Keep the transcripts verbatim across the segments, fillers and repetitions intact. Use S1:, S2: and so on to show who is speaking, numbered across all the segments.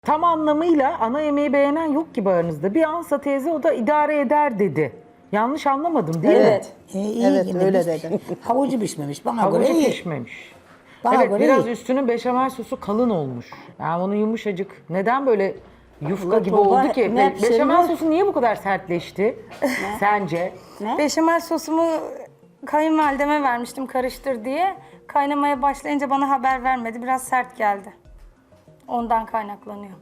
S1: Tam anlamıyla ana yemeği beğenen yok gibi aranızda. Bir Ansa teyze o da idare eder dedi. Yanlış anlamadım değil mi?
S2: Evet.
S3: E, iyi
S2: Evet,
S3: yine
S2: öyle
S3: biz-
S2: dedi.
S3: Havucu pişmemiş bana
S1: Havucu
S3: göre iyi.
S1: pişmemiş.
S3: Bana
S1: Evet,
S3: göre
S1: biraz
S3: iyi.
S1: üstünün beşamel sosu kalın olmuş. Yani onun yumuşacık. Neden böyle yufka gibi
S4: torba
S1: oldu ki?
S4: ne
S1: Be-
S4: pişirmiş?
S1: beşamel sosu niye bu kadar sertleşti? Sence?
S5: Beşamel sosumu kayınvalideme vermiştim karıştır diye. Kaynamaya başlayınca bana haber vermedi. Biraz sert geldi. Ondan kaynaklanıyor.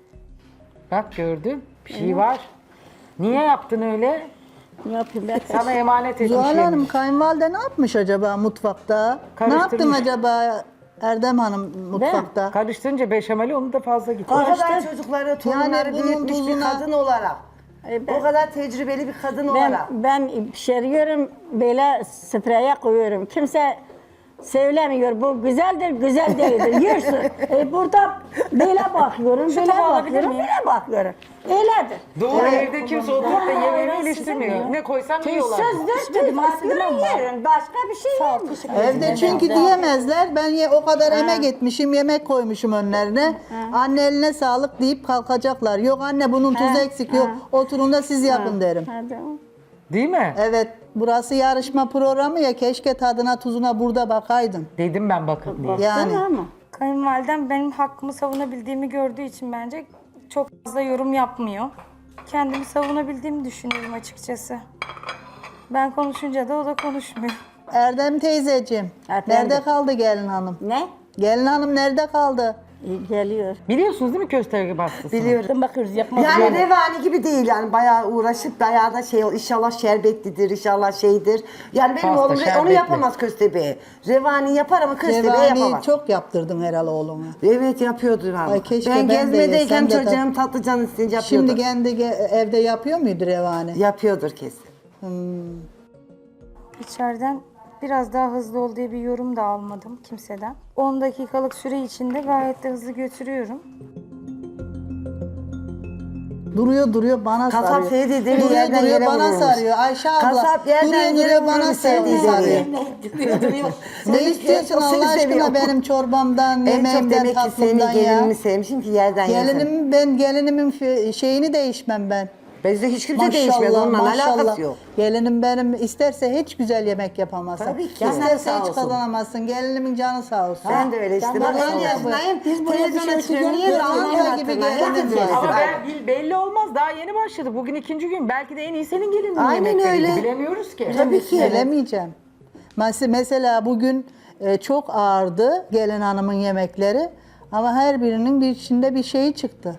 S1: Bak gördün. Bir şey var. Niye yaptın öyle?
S4: Ne yapayım ben?
S1: Sana emanet etmiş
S2: Zuhal
S1: yemiş.
S2: Hanım kayınvalide ne yapmış acaba mutfakta? Ne
S1: Karıştırmış.
S2: yaptın acaba Erdem Hanım mutfakta?
S1: Karıştırınca beşameli onu da fazla gitti.
S6: O kadar çocukları, torunları
S2: bunun
S6: büyütmüş bir
S2: tuzuna-
S6: kadın olarak.
S4: E, ben-
S6: O kadar tecrübeli bir kadın
S4: Ben,
S6: olarak.
S4: ben pişiriyorum, böyle spreye koyuyorum. Kimse söylemiyor, bu güzeldir, güzel değildir. Yersin. E, burada böyle bakıyorum, böyle
S5: tabağı alabilir
S4: bakıyorum,
S5: miyim?
S4: böyle bakıyorum. Öyledir.
S1: Doğru, evde kimse oturup da yemeğimi
S4: Hayır,
S1: eleştirmiyor.
S4: sizin
S1: Ne koysam yiyorlar.
S4: Sözde tüy bakıyorum, yerim. Başka bir şey yemiyorum.
S2: Evde çünkü diyemezler. Ben ye, o kadar emek etmişim, yemek koymuşum önlerine. Anne eline sağlık deyip kalkacaklar. Yok anne bunun tuzu eksik. Yok oturun da siz yapın derim.
S4: Hadi.
S1: Değil mi?
S2: Evet, burası yarışma programı ya. Keşke tadına tuzuna burada bakaydın.
S1: Dedim ben bakın diye.
S2: Yani
S4: Değil ama.
S5: Kayınvalidem benim hakkımı savunabildiğimi gördüğü için bence çok fazla yorum yapmıyor. Kendimi savunabildiğimi düşünüyorum açıkçası. Ben konuşunca da o da konuşmuyor.
S2: Erdem teyzeciğim,
S4: Efendim?
S2: nerede kaldı gelin hanım?
S4: Ne?
S2: Gelin hanım nerede kaldı?
S4: İyi geliyor.
S1: Biliyorsunuz değil mi köstebek bastısını?
S6: Biliyorum.
S4: Bakıyoruz, yapmak
S6: Yani
S4: zorunda.
S6: revani gibi değil yani bayağı uğraşıp bayağı da şey inşallah şerbetlidir inşallah şeydir. Yani benim
S1: Pasta,
S6: oğlum re- onu
S1: şerbetli.
S6: yapamaz köstebeği. Revani yapar ama köstebeği
S2: Revani
S6: yapamaz.
S2: çok yaptırdın herhalde oğluna.
S6: Evet yapıyordu abi.
S2: Ay, keşke
S6: ben,
S2: ben de
S6: gezmedeyken
S2: yesem de
S6: çocuğum tatlı canı isteyince yapıyordu.
S2: Şimdi kendi ge- evde yapıyor muydu revani?
S6: Yapıyordur kesin.
S5: İçeriden biraz daha hızlı ol diye bir yorum da almadım kimseden. on dakikalık süre içinde gayet de hızlı götürüyorum.
S2: Duruyor duruyor bana
S6: Kasap
S2: sarıyor.
S6: şey dediği
S2: duruyor
S6: yerden
S2: duruyor
S6: yere
S2: bana
S6: vururmuş.
S2: sarıyor. Ayşe abla
S6: Kasap yerden
S2: duruyor
S6: yere
S2: duruyor bana
S6: vururmuş
S2: sarıyor.
S6: sevdiği
S2: sarıyor.
S6: dediği.
S2: Ne istiyorsun
S6: O seni
S2: Allah
S6: seviyor.
S2: aşkına benim çorbamdan,
S6: En çok
S2: yemeğimden,
S6: demek ki senin
S2: tatlımdan ya.
S6: gelinimi sevmişim ki yerden yesin.
S2: Gelinim ben gelinimin fi- şeyini değişmem ben.
S6: Bizde hiç kimse değişmez onunla alakası yok.
S2: Gelinim benim isterse hiç güzel yemek yapamazsın.
S6: Tabii ki.
S2: İsterse
S6: Canı sağ
S2: hiç
S6: olsun.
S2: kazanamazsın. Gelinimin canı sağ olsun.
S6: Ben de öyle işte.
S2: Canı
S6: Bak
S2: sağ
S6: on
S2: olsun.
S6: yaşındayım.
S2: Biz buraya
S6: Televizyona
S2: bir şey
S6: çıkıyorum. Niye
S2: çıkıyoruz,
S6: dalga
S2: dalga
S6: gibi
S2: gibi
S6: hatırlar?
S2: geliniz
S6: Herkes
S2: var.
S1: Ama
S6: var.
S1: ben, bil- belli olmaz. Daha yeni başladı. Bugün ikinci gün. Belki de en iyi senin gelinin
S6: Aynen
S1: yemekleriydi.
S6: öyle.
S1: Bilemiyoruz ki.
S6: Tabii ki.
S2: Bilemeyeceğim. Mes- Mesela bugün e, çok ağırdı gelin hanımın yemekleri. Ama her birinin bir içinde bir şeyi çıktı.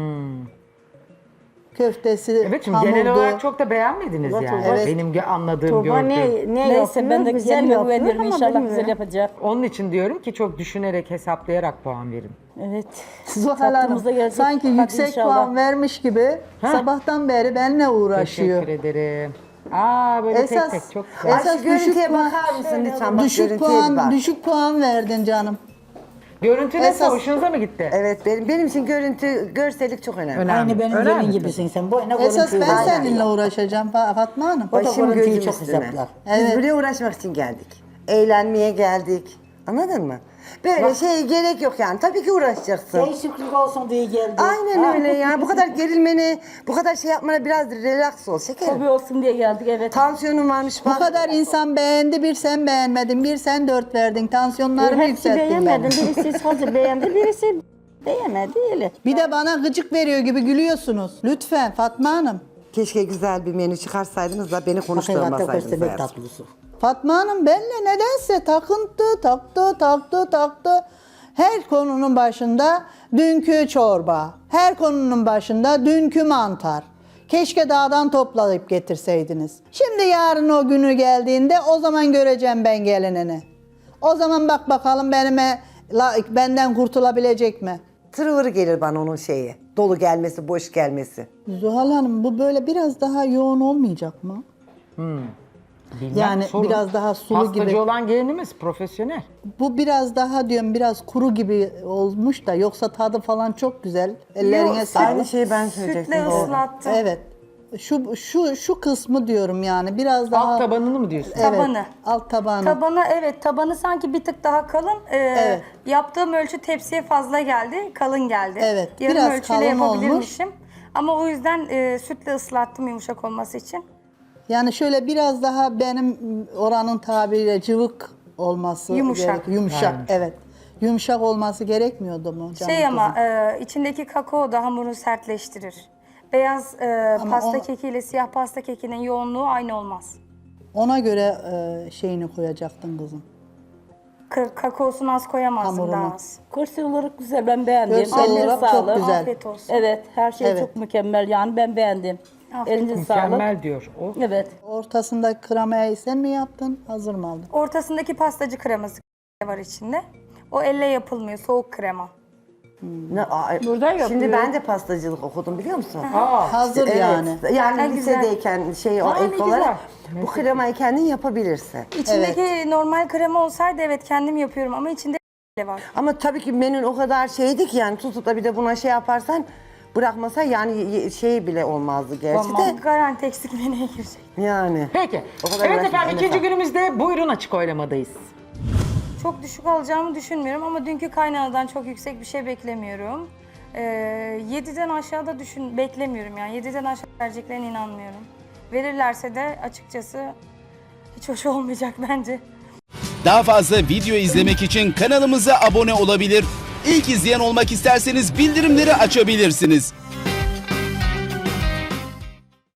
S2: Köftesi,
S1: Evet şimdi
S2: hamurdu.
S1: genel olarak çok da beğenmediniz
S4: Evet,
S1: yani.
S2: evet.
S1: Benim gö- anladığım,
S4: Tuğba
S1: gördüğüm.
S4: ne, ne
S7: Neyse
S4: yapıyor?
S7: ben de
S4: Güzel
S7: kendime
S4: yapıyor
S7: güveniyorum
S4: ama
S7: inşallah
S4: bilmiyorum.
S7: güzel yapacak.
S1: Onun için diyorum ki çok düşünerek, hesaplayarak puan verin.
S7: Evet.
S2: Zuhal Hanım
S7: Tatlımız da gelecek.
S2: sanki
S7: Hadi
S2: yüksek
S7: inşallah.
S2: puan vermiş gibi sabahtan beri benimle uğraşıyor.
S1: Teşekkür ederim. Aa böyle
S2: Esas,
S1: tek tek çok güzel.
S2: esas
S6: Ay, şu görüntüye
S2: düşük puan,
S6: bakar mısın lütfen? Bak,
S2: düşük
S6: görüntüye bir
S2: puan,
S6: bak.
S2: düşük puan verdin canım.
S1: Görüntü nasıl?
S2: esas-
S1: Hoşunuza mı gitti?
S6: Evet benim benim için görüntü, görsellik çok önemli.
S1: Önemli.
S7: Aynı benim
S1: Önemli
S7: gelin
S1: tabii.
S7: gibisin sen. Boyuna
S2: Esas
S7: görüntüyü
S2: ben
S7: var.
S2: seninle uğraşacağım Fa- Fatma Hanım.
S7: O da
S6: Başım
S7: görüntüyü
S6: gözüm
S7: çok
S6: üstüne.
S7: hesaplar.
S2: Evet.
S6: Biz buraya uğraşmak için geldik. Eğlenmeye geldik. Anladın mı? Böyle şey gerek yok yani. Tabii ki uğraşacaksın.
S7: Değişiklik olsun diye geldi.
S6: Aynen öyle ya. Bu kadar gerilmeni, bu kadar şey yapmana biraz relax ol şekerim.
S7: Hobi olsun diye geldik evet.
S6: Tansiyonun varmış
S2: Bu
S6: bak.
S2: kadar insan beğendi, bir sen beğenmedin, bir sen dört verdin. Tansiyonlarımı
S4: Hepsi
S2: yükselttin benim.
S4: beğenmedi. Birisi hazır beğendi, birisi beğenmedi. Öyle.
S2: Bir de bana gıcık veriyor gibi gülüyorsunuz. Lütfen Fatma Hanım.
S6: Keşke güzel bir menü çıkarsaydınız da beni
S7: Hakikaten
S6: konuşturmasaydınız.
S7: köstebek
S6: eğer.
S7: tatlısı.
S2: Fatma Hanım benimle nedense takıntı, taktı, taktı, taktı. Her konunun başında dünkü çorba, her konunun başında dünkü mantar. Keşke dağdan toplayıp getirseydiniz. Şimdi yarın o günü geldiğinde o zaman göreceğim ben gelinini. O zaman bak bakalım benime, la- benden kurtulabilecek mi?
S6: Tırıvırı gelir bana onun şeyi. Dolu gelmesi, boş gelmesi.
S2: Zuhal Hanım bu böyle biraz daha yoğun olmayacak mı?
S1: Bilmem,
S2: Yani
S1: sorun.
S2: biraz daha sulu
S1: Pastacı
S2: gibi.
S1: olan gelinimiz profesyonel.
S2: Bu biraz daha diyorum biraz kuru gibi olmuş da yoksa tadı falan çok güzel. Ellerine
S5: Yok,
S2: sağlık.
S6: Aynı şeyi ben
S5: Sütle
S6: söyleyecektim. doğru.
S5: ıslattım.
S2: Evet. Şu şu şu kısmı diyorum yani biraz daha
S1: Alt tabanını mı diyorsun?
S2: Evet,
S5: Tabanı.
S2: alt tabanı.
S5: Tabanı evet tabanı sanki bir tık daha kalın. Ee,
S2: Evet.
S5: Yaptığım ölçü tepsiye fazla geldi. Kalın geldi.
S2: Evet,
S5: Yarım
S2: biraz
S5: ölçüyle
S2: kalın olmuş.
S5: yapabilirmişim. Ama o yüzden e, sütle ıslattım yumuşak olması için.
S2: Yani şöyle biraz daha benim oranın tabiriyle cıvık olması
S5: Yumuşak.
S2: gerek- Yumuşak,
S1: Yani.
S2: evet. Yumuşak olması gerekmiyordu mu canım
S5: Şey ama
S2: kızım?
S5: e, içindeki kakao da hamuru sertleştirir. Beyaz e,
S2: Ama
S5: pasta
S2: o-
S5: kekiyle siyah pasta kekinin yoğunluğu aynı olmaz.
S2: Ona göre e, şeyini koyacaktın kızım.
S5: K- kakaosunu az koyamazsın
S2: Hamurunu.
S5: daha az.
S7: Görsel olarak güzel, ben beğendim.
S2: Görsel
S7: Eline
S2: olarak çok
S7: sağlık.
S2: güzel.
S5: Afiyet olsun.
S7: Evet, her şey
S2: Evet.
S7: çok mükemmel yani, ben beğendim.
S5: Afiyet
S7: Elinize sağlık.
S1: Mükemmel diyor o.
S7: Evet.
S2: Ortasındaki kremayı sen mi yaptın? Hazır mı aldın?
S5: Ortasındaki pastacı kreması var içinde. O elle yapılmıyor, soğuk krema.
S6: Ne, aa,
S7: Burada yapıyor.
S6: Şimdi ben de pastacılık okudum biliyor musun?
S1: Aa,
S2: Hazır
S6: Evet.
S2: yani.
S6: Yani
S5: Ne güzel.
S6: lisedeyken şey o
S1: Aa, ne
S6: ek
S1: güzel.
S6: olarak bu kremayı kendin yapabilirsin.
S5: İçindeki normal krema olsaydı evet kendim yapıyorum ama içinde var.
S6: Ama tabii ki menün o kadar şeydi ki yani tutup da bir de buna şey yaparsan bırakmasa yani ye- şey bile olmazdı gerçi de.
S5: Garanti eksik menüye girecek.
S6: Yani.
S1: Peki.
S6: O kadar
S1: Evet
S6: uğraşmış,
S1: efendim
S6: eline
S1: ikinci
S6: sağlık.
S1: günümüzde buyurun açık oylamadayız.
S5: Çok düşük alacağımı düşünmüyorum ama dünkü kaynanadan çok yüksek bir şey beklemiyorum. Ee, yediden aşağıda düşün beklemiyorum yani. yediden aşağı vereceklerine inanmıyorum. Verirlerse de açıkçası hiç hoş olmayacak bence.
S3: Daha fazla video izlemek için kanalımıza abone olabilir. İlk izleyen olmak isterseniz bildirimleri açabilirsiniz.